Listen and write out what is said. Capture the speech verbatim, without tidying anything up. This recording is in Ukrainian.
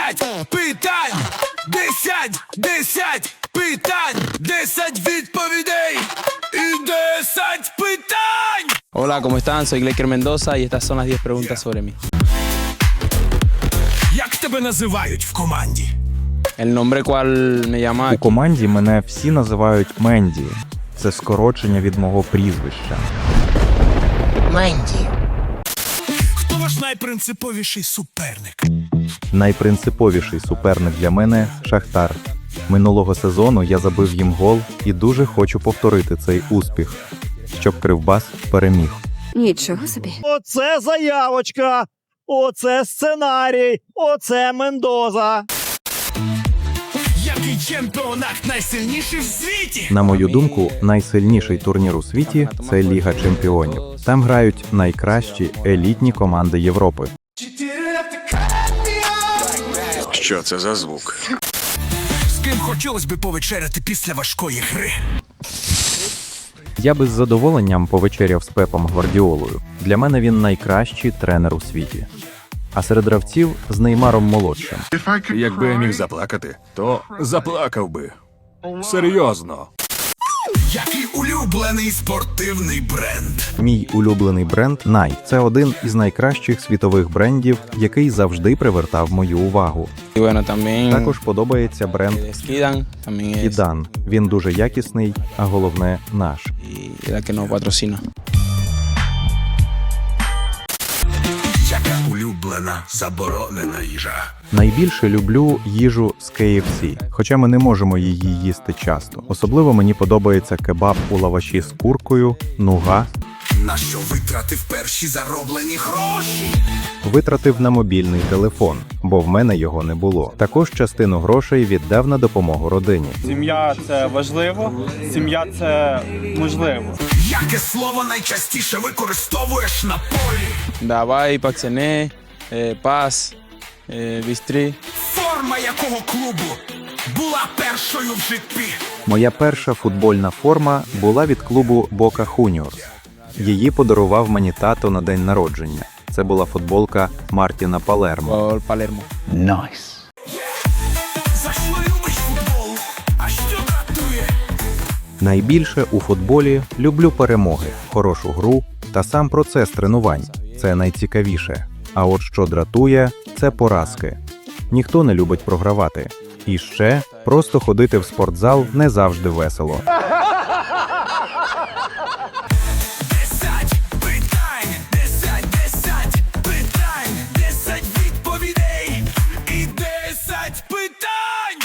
десять питань, десять, десять питань, десять відповідей і десять питань. Hola, ¿cómo están? Soy Gleiker Mendoza y estas son las diez preguntas sobre mí. Як тебе називають в команді? El nombre cual me llama У aquí. команді мене всі називають Менді. Це скорочення від мого прізвища. Менді. Хто ваш найпринциповіший суперник? Найпринциповіший суперник для мене – Шахтар. Минулого сезону я забив їм гол і дуже хочу повторити цей успіх, щоб Кривбас переміг. Нічого собі. Оце заявочка, оце сценарій, оце Мендоза. Який чемпіонат найсильніший в світі? На мою думку, найсильніший турнір у світі – це Ліга Чемпіонів. Там грають найкращі елітні команди Європи. Що це за звук? З ким хотілося б повечеряти після важкої гри? Я би з задоволенням повечеряв з Пепом Гвардіолою. Для мене він найкращий тренер у світі. А серед гравців – з Неймаром молодшим. Якби я міг заплакати, то заплакав би. Серйозно. Який улюблений спортивний бренд? Мій улюблений бренд Nike – це один із найкращих світових брендів, який завжди привертав мою увагу. Y bueno, también Також подобається бренд es Kidan, también es Ідан. Він дуже якісний, а головне – наш. y la que nos patrocina. Яка улюблена заборонена їжа? Найбільше люблю їжу з кей еф сі, хоча ми не можемо її їсти часто. Особливо мені подобається кебаб у лаваші з куркою, нуга. На що витратив перші зароблені гроші? Витратив на мобільний телефон, бо в мене його не було. Також частину грошей віддав на допомогу родині. Сім'я – це важливо, сім'я – це можливо. Яке слово найчастіше використовуєш на полі? Davai, Paxené, eh, Paz, eh, Bistri. Форма якого клубу була першою в житті? Моя перша футбольна форма була від клубу Boca Juniors. Її подарував мені тато на день народження. Це була футболка Мартіна Палермо. Por Palermo. За що любиш футбол? А що дратує? Найбільше у футболі люблю перемоги, хорошу гру та сам процес тренувань. Це найцікавіше. А от що дратує – це поразки. Ніхто не любить програвати. І ще просто ходити в спортзал не завжди весело.